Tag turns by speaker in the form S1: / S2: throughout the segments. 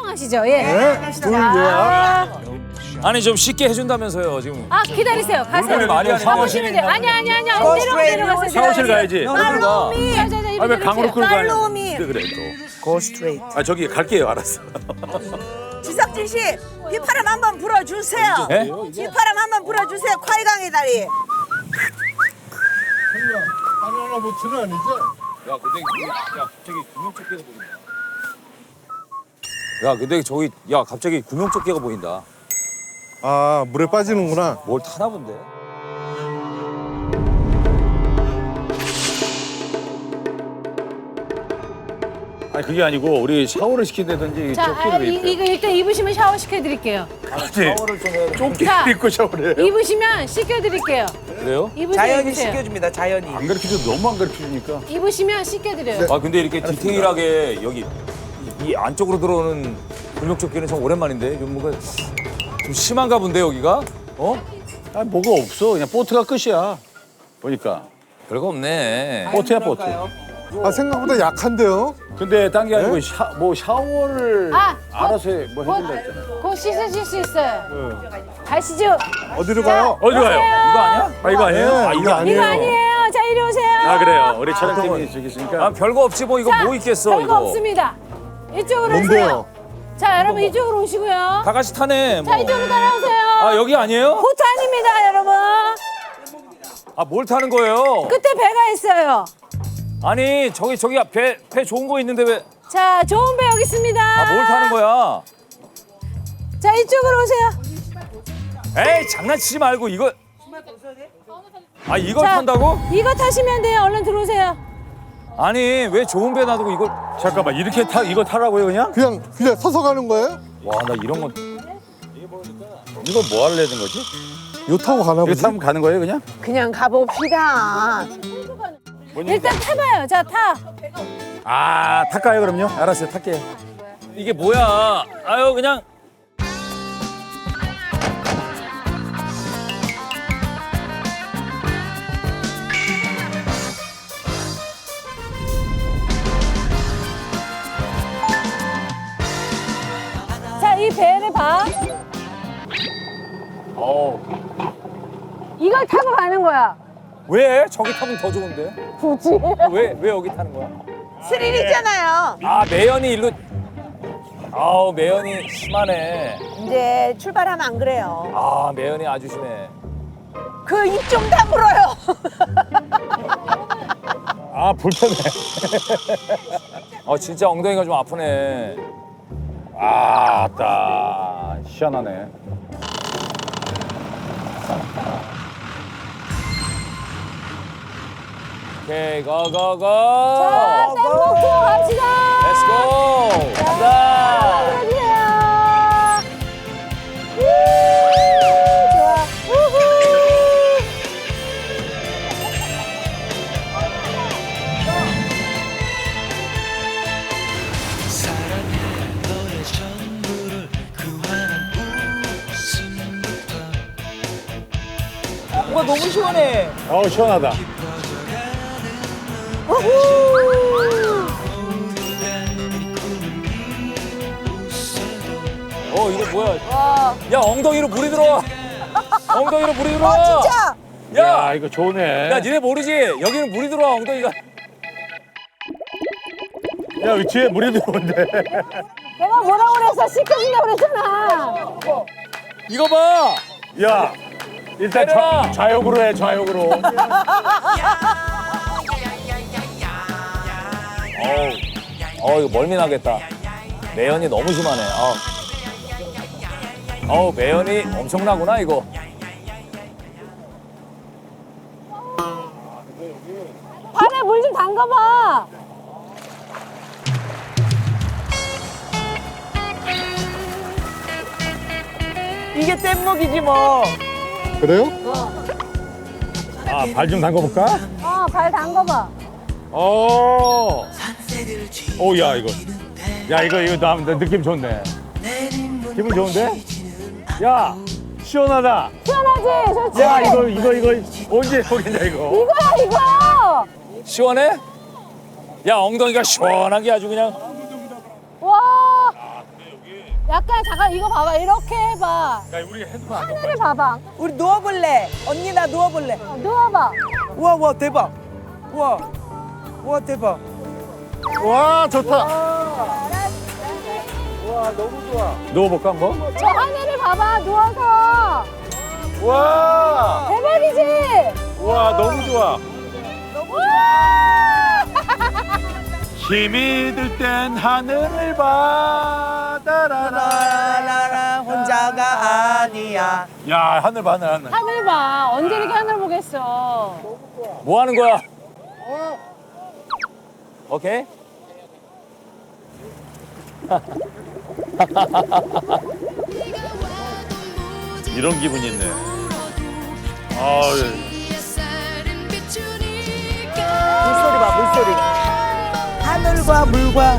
S1: 촬영하시죠. 예.
S2: 네?
S1: 자,
S3: 아니 좀 쉽게 해준다면서요 지금.
S1: 아 기다리세요. 가세요.
S3: 말이 아닌데.
S1: 가보시면 돼요. 아니야. 내려가세요.
S3: 샤워실 가야지. 어디로 가? 아 왜 강으로 끌고 가냐?
S4: 팔로우미.
S3: 그래 또.
S4: Go straight.
S3: 아 저기 갈게요. 알았어.
S4: 지석진 씨, 휘파람 한번 불어주세요.
S3: 예?
S4: 휘파람 한번 불어주세요. 콰이강의 다리.
S2: 바나나 보트는 아니죠?
S3: 야 근데 갑자기 구명조끼가 보인다. 야 근데 저기 갑자기 구명조끼가 보인다.
S2: 아, 물에 빠지는구나.
S3: 뭘 타나 본데? 아니 그게 아니고 우리 샤워를 시킨다든지
S1: 자,
S3: 조끼를 왜 입혀요?
S1: 이거 일단 입으시면 샤워 시켜드릴게요.
S3: 샤워를 좀 해야 조끼
S1: 자,
S3: 입고 샤워를 해요?
S1: 입으시면 씻겨드릴게요.
S3: 그래요?
S1: 입으세요.
S4: 자연이
S1: 입으세요.
S4: 시켜줍니다. 자연이.
S3: 안 가르쳐줘도 너무 안 가르쳐주니까.
S1: 입으시면 씻겨드려요.
S3: 아 근데 이렇게 디테일하게 여기 이 안쪽으로 들어오는 구명조끼는 참 오랜만인데 좀 뭔가 좀 심한가 본데 여기가? 어?
S5: 아 뭐가 없어. 그냥 보트가 끝이야. 보니까
S3: 별거 없네.
S5: 보트야 보트.
S2: 아, 생각보다 약한데요?
S5: 근데 딴 게 아니고 뭐 샤워를
S1: 아,
S5: 알아서 뭐 해준다 했잖아요.
S1: 곧 씻으실 수 있어요. 가시죠.
S2: 어디로 가요?
S3: 어디 가요? 이거 아니야? 아 이거 아니에요?
S2: 네,
S3: 아 이거 아니에요?
S1: 이거 아니에요. 자, 이리 오세요.
S5: 아 그래요. 우리 촬영팀이 저기 있으니까.
S3: 아 별거 없지 뭐 이거
S1: 자,
S3: 뭐 있겠어
S1: 별거
S3: 이거.
S1: 없습니다. 이쪽으로
S2: 뭔데요?
S1: 오세요. 자, 여러분 이쪽으로 오시고요.
S3: 다 같이 타네. 뭐.
S1: 자, 이쪽으로 따라오세요.
S3: 아 여기 아니에요?
S1: 보트 아닙니다, 여러분.
S3: 아 뭘 타는 거예요?
S1: 끝에 배가 있어요.
S3: 아니 저기 배 좋은 거 있는데 왜?
S1: 자, 좋은 배 여기 있습니다.
S3: 아 뭘 타는 거야?
S1: 자, 이쪽으로 오세요.
S3: 에이 장난치지 말고 이거. 아 이걸
S1: 자,
S3: 탄다고?
S1: 이거 타시면 돼요. 얼른 들어오세요.
S3: 아니 왜 좋은 배 놔두고 이걸?
S5: 잠깐만 이렇게 이거 타라고요 그냥?
S2: 그냥 서서 가는 거예요?
S3: 와 나 이런 건.
S5: 이거 뭐 하려는 거지?
S2: 요 타고 가나
S5: 이거
S2: 보지?
S5: 타면 가는 거예요 그냥?
S4: 그냥 가봅시다.
S1: 일단 타봐요. 자, 타.
S5: 아 탈까요 그럼요? 알았어요 탈게요.
S3: 이게 뭐야? 아유 그냥.
S1: 자, 이 배를 봐. 이걸 타고 가는 거야.
S3: 왜? 저기 타면 더 좋은데?
S1: 굳이?
S3: 왜 여기 타는 거야?
S4: 스릴 있잖아요.
S3: 아 매연이 일로. 아우 매연이 심하네.
S4: 이제 출발하면 안 그래요.
S3: 아 매연이 아주 심해.
S4: 그 입 좀 다물어요.
S5: 아 불편해.
S3: 아 진짜 엉덩이가 좀 아프네.
S5: 아따 희한하네.
S3: 오케이 고고고.
S1: 자, 땡목 투어 갑시다.
S3: 렛츠고. 간다.
S1: 들어주세요. 좋아. 우후.
S4: 와 너무 시원해.
S5: 어우 시원하다.
S3: 이거 뭐야? 야 엉덩이로 물이 들어와. 엉덩이로 물이 들어와.
S4: 진짜.
S3: 야,
S5: 야 이거 좋네.
S3: 야 니네 모르지? 여기는 물이 들어와 엉덩이가.
S5: 야 여기 뒤에 물이 들어온대.
S1: 내가 뭐라고 그랬어? 씻겨준다고 그랬잖아.
S3: 이거 봐.
S5: 야 일단
S3: 내려와.
S5: 좌욕으로 해 좌욕으로.
S3: 이거 멀미 나겠다. 매연이 너무 심하네. 매연이 엄청나구나 이거.
S1: 발에 물 좀 담가봐.
S4: 이게 뗏목이지 뭐.
S2: 그래요?
S5: 아 발 좀 담궈볼까?
S1: 발 담가봐.
S5: 오. 오야 이거. 야 이거 나 느낌 좋네. 기분 좋은데? 야 시원하다.
S1: 시원하지? 좋지?
S5: 야 이거 언제 해보겠냐 이거.
S1: 이거야, 이거.
S3: 시원해? 야 엉덩이가 시원하게 아주 그냥.
S1: 와. 약간 잠깐 이거 봐봐. 이렇게 해봐. 하늘을 봐봐.
S4: 우리 누워볼래? 언니 나 누워볼래?
S1: 누워봐.
S4: 우와 우와 대박. 우와 우와 대박.
S2: 와, 좋다.
S5: 누워볼까 한번?
S1: 저 하늘을 봐봐. 누워서.
S5: 와,
S1: 대박이지?
S5: 와 너무 좋아.
S1: 와!
S5: 힘이 들 땐 하늘을 봐. 따라라.
S4: 나라 혼자가 아니야.
S5: 야 하늘 봐 하늘.
S1: 하늘 봐. 언제 이렇게 하늘 보겠어.
S3: 뭐 하는 거야? 오케이.
S5: 이런 기분이 있네. 아,
S4: 물소리 봐 물소리. 하늘과 물과.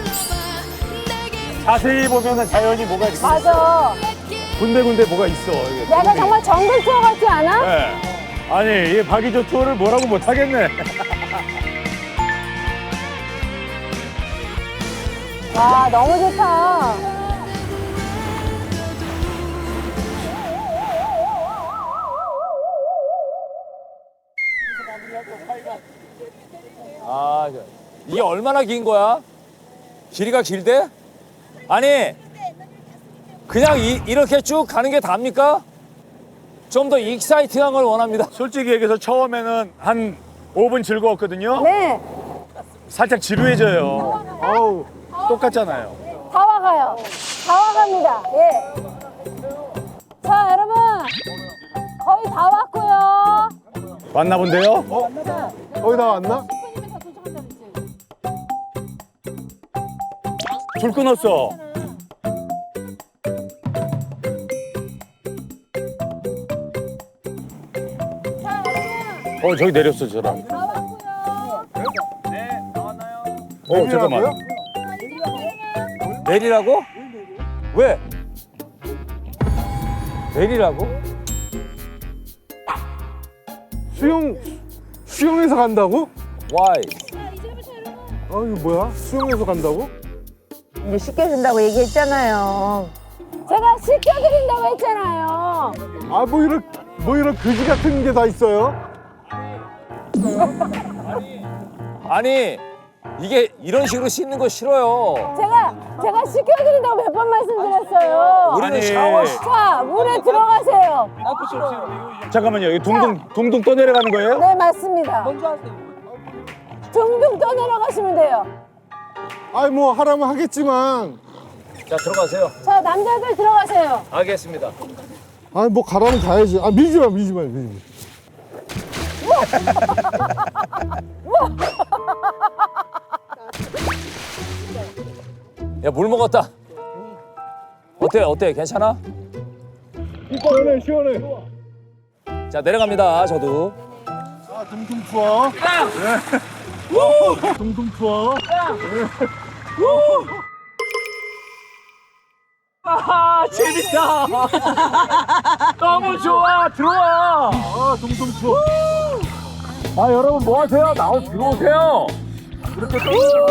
S5: 자세히 보면은 자연이 뭐가 이렇게
S1: 맞아.
S5: 군데군데 뭐가 있어. 이게.
S1: 약간 정말 정글 투어 같지 않아?
S5: 네. 아니 이 박이조 투어를 뭐라고 못하겠네.
S1: 와, 너무 좋다.
S3: 아, 이게 얼마나 긴 거야? 길이가 길대? 아니, 그냥 이렇게 쭉 가는 게 답니까? 좀 더 익사이팅한 걸 원합니다.
S5: 솔직히 얘기해서 처음에는 한 5분 즐거웠거든요.
S1: 네.
S5: 살짝 지루해져요. 어우, 똑같잖아요.
S1: 다 와가요. 다 와갑니다. 예. 자, 여러분. 거의 다 왔고요.
S5: 왔나 본데요?
S2: 거의 다 왔나?
S5: 줄 끊었어. 저기 내렸어, 저 사람.
S1: 다 왔고요.
S5: 잠깐만.
S3: 내리라고? 왜? 내리라고?
S2: 수영해서 간다고?
S3: Why?
S2: 아, 이거 뭐야? 수영해서 간다고?
S4: 이제 시켜준다고 얘기했잖아요.
S1: 제가 시켜드린다고 했잖아요.
S2: 아, 뭐 이런 그지 같은 게 다 있어요?
S3: 아니, 이게 이런 식으로 씻는 거 싫어요.
S1: 제가 시켜드린다고 몇 번 말씀드렸어요.
S3: 우리는
S5: 아니.
S3: 샤워.
S1: 자, 물에 들어가세요.
S5: 잠깐만요, 여기 둥둥 떠내려가는 거예요?
S1: 네, 맞습니다. 둥둥 떠내려가시면 돼요.
S2: 아이, 뭐 하라면 하겠지만.
S3: 자, 들어가세요.
S1: 자, 남자들 들어가세요.
S3: 알겠습니다.
S2: 아이, 뭐 가라면 가야지. 아, 밀지 마.
S3: 야, 물 먹었다. 어때? 괜찮아?
S2: 시원해.
S3: 자, 내려갑니다, 저도.
S2: 아, 둥둥 투어. 둥둥 투어.
S3: 아, 재밌다. 너무 좋아. 들어와.
S2: 아, 둥둥 투어.
S3: 아, 여러분 뭐 하세요? 들어오세요. 이렇게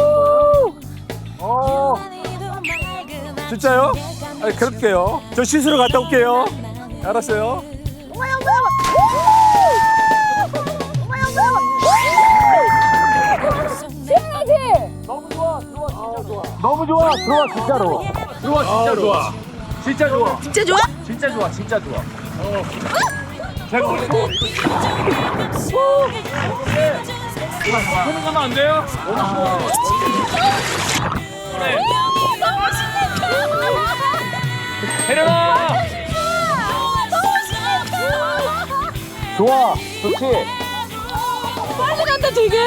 S5: 진짜요? 아니, 그럴게요. 저 씻으러 갔다 올게요. 알았어요.
S1: 시원하지?
S3: 너무 좋아. 들어와, 진짜로. 들어와, 진짜로.
S5: 좋아.
S3: 진짜 좋아.
S4: 진짜 좋아?
S3: 진짜 좋아. 진짜 좋아.
S5: 제가 오늘 손을 가면 안 돼요?
S3: 내려라. 좋아. 좋지.
S1: 빨리 간다, 되게.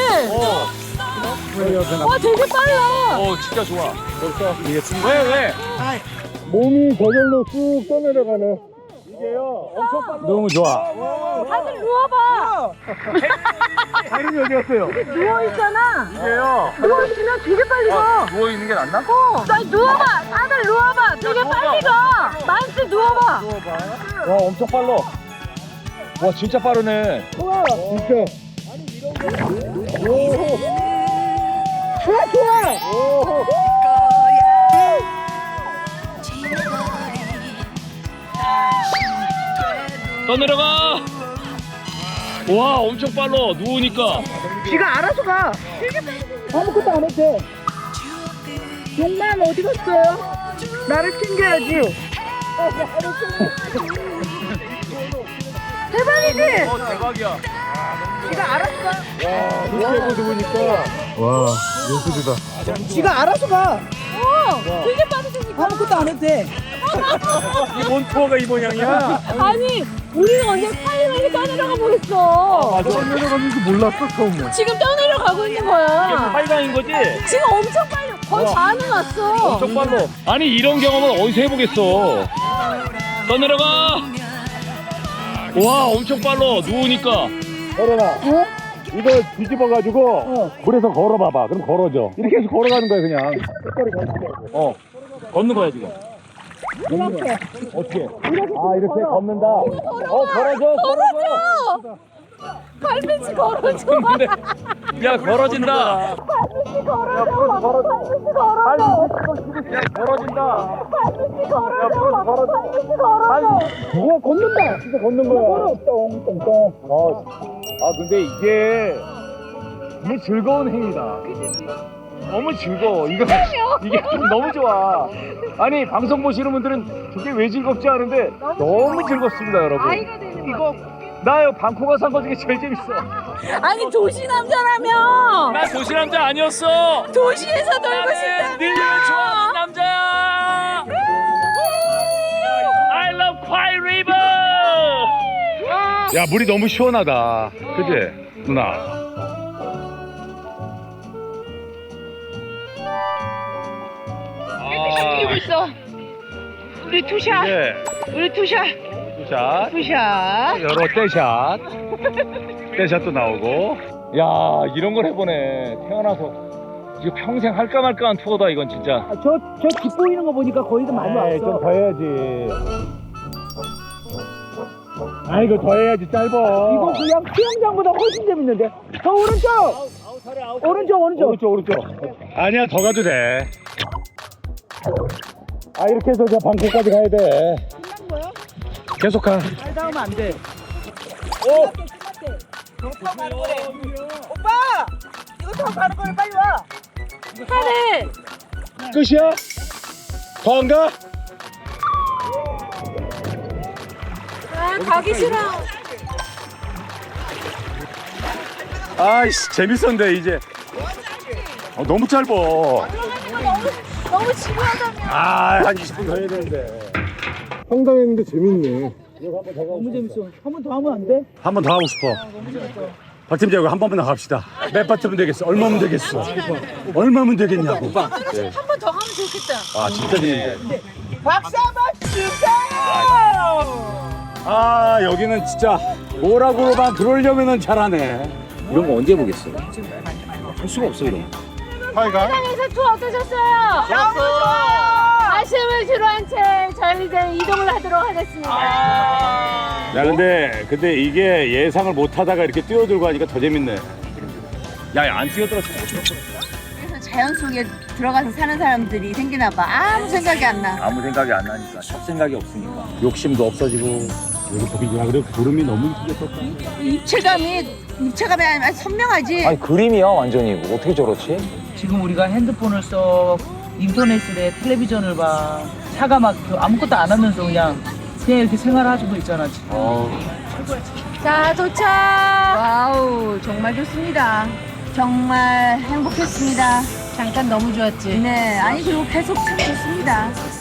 S1: 와, 되게 빨라.
S3: 진짜 좋아.
S5: 왜?
S2: 몸이 저절로 쑥 떠내려가네.
S5: 너무 좋아.
S1: 다들 누워봐.
S5: 다른이 어디 갔어요?
S1: 누워있잖아.
S5: 이게요.
S1: 누워있으면 되게 빨리 가.
S3: 누워있는 게 낫나?
S1: 나 누워봐. 다들 누워봐. 되게 빨리 가. 만수 누워봐.
S5: 와, 엄청 빨라. 와, 진짜 빠르네.
S1: 좋아.
S6: 떠내려가. 와, 엄청 빨라. 누우니까.
S1: 지가 알아서 가. 아무것도 안 해도 돼. 용만 어디 갔어요? 나를 챙겨야지. 대박이지?
S6: 대박이야.
S1: 지가 알아서 가.
S2: 이렇게 보니까 와 예술이다.
S1: 지가 알아서 가. 되게 빠르시니까. 아무것도 안 해도 돼.
S5: 이번 투어가 이 모양이야.
S1: 아니, 우리는 언제 파이널에 떠내려가 보겠어.
S2: 내려가는 줄 몰랐어 처음에.
S1: 지금 떠내려가고 있는 거야.
S6: 빨강인 거지?
S1: 지금 엄청 빨리, 거의 반은 왔어.
S6: 엄청 빨라. 아니, 이런 경험은 어디서 해보겠어. 떠내려가. 와, 엄청 빨라. 누우니까.
S5: 걸어라. 이거 뒤집어가지고 물에서 걸어봐봐. 그럼 걸어져. 이렇게 해서 걸어가는 거야 그냥.
S6: 걷는 거야, 지금.
S1: 이렇게.
S6: 어떻게?
S5: 아 이렇게 걷는다.
S6: 걸어줘, 걸어줘.
S1: 발밑이 걸어줘.
S6: 근데, 야, 걸어진다.
S1: 발밑이 걸어줘. 발밑이 걸어줘.
S6: 야, 걸어진다.
S1: 발밑이 걸어줘. 발밑이 걸어줘.
S5: 누가 걷는다. 진짜 걷는 거야. 똥똥똥. 아 근데 이게 너무 즐거운 행위다. 너무 즐거워. 이게 좀 너무 좋아. 아니 방송 보시는 분들은 저게 왜 즐겁지 않은데 너무 즐겁습니다, 여러분. 이거 나요 방코가 산 거 중에 제일 재밌어.
S1: 아니, 도시 남자라며.
S6: 나 도시 남자 아니었어.
S1: 도시에서 놀고
S6: 나는
S1: 싶다며.
S6: 늘 좋아하는 남자야. I love Kwai River.
S5: 야 물이 너무 시원하다. 그지 누나?
S1: 뛰고 있어. 우리 투샷.
S5: 네.
S1: 우리 투샷.
S5: 샷.
S1: 투샷.
S5: 여러 떼샷. 떼샷도 나오고. 야 이런 걸 해보네. 태어나서 이거 평생 할까 말까한 투어다 이건 진짜.
S1: 저 깃 보이는 거 보니까 거의도 많이 왔어.
S5: 좀 더 해야지. 아 이거 더 해야지 짧아.
S1: 이거 그냥 수영장보다 훨씬 재밌는데. 저 오른쪽.
S5: 오른쪽. 아니야 더 가도 돼. 아 이렇게 해서 저 방콕까지 가야 돼.
S1: 끝난 거야?
S5: 계속 가.
S1: 잘 닿으면 안 돼.
S5: 오.
S1: 더 가는 거래. 오빠! 이거 더 가는 거래. 빨리 와. 하래.
S5: 끝이야? 더 안 가?
S1: 아, 가기 싫어.
S5: 아이씨 재밌었는데 이제. 너무 짧아.
S1: 너무 지루하다며.
S5: 아한 20분 더 해야 되는데.
S2: 황당했는데 재밌네.
S1: 너무 재밌어. 한 번 더 하면 안 돼?
S5: 한 번 더 하고 싶어. 박 팀장 한 번만 더 갑시다. 몇 바트면 되겠어? 얼마면 되겠어? 얼마면 되겠냐고.
S1: 한 번 더 가면 좋겠다.
S5: 아 진짜 재밌네.
S1: 박수 한번 주세요.
S5: 아 여기는 진짜 뭐라고만 그러려면은 잘하네. 이런 거 언제 보겠어? 할 수가 없어 이런 거.
S2: 파이가
S1: 세상에서 투어 어떠셨어요? 너무 좋아요. 아쉬움을 주로한 채 저희는 이동을 하도록 하겠습니다.
S5: 야 근데 이게 예상을 못 하다가 이렇게 뛰어들고 하니까 더 재밌네. 야 안 뛰어들었으면
S7: 그래서 자연 속에 들어가서 사는 사람들이 생기나 봐. 아무 생각이 안 나.
S5: 아무 생각이 안 나니까 잡생각이 없으니까 욕심도 없어지고 여기 보기 야 그래 구름이 너무 이쁘게 떴다.
S7: 입체감이 아니라 선명하지.
S3: 아니 그림이야 완전히. 어떻게 저렇지?
S8: 지금 우리가 핸드폰을 써, 인터넷을 해, 텔레비전을 봐, 차가 막 아무것도 안 하면서 그냥 이렇게 생활하고 있잖아 지금.
S1: 자, 도착.
S7: 와우, 정말 좋습니다. 정말 행복했습니다.
S1: 잠깐 너무 좋았지.
S7: 네, 아니 그리고 계속 참 좋습니다.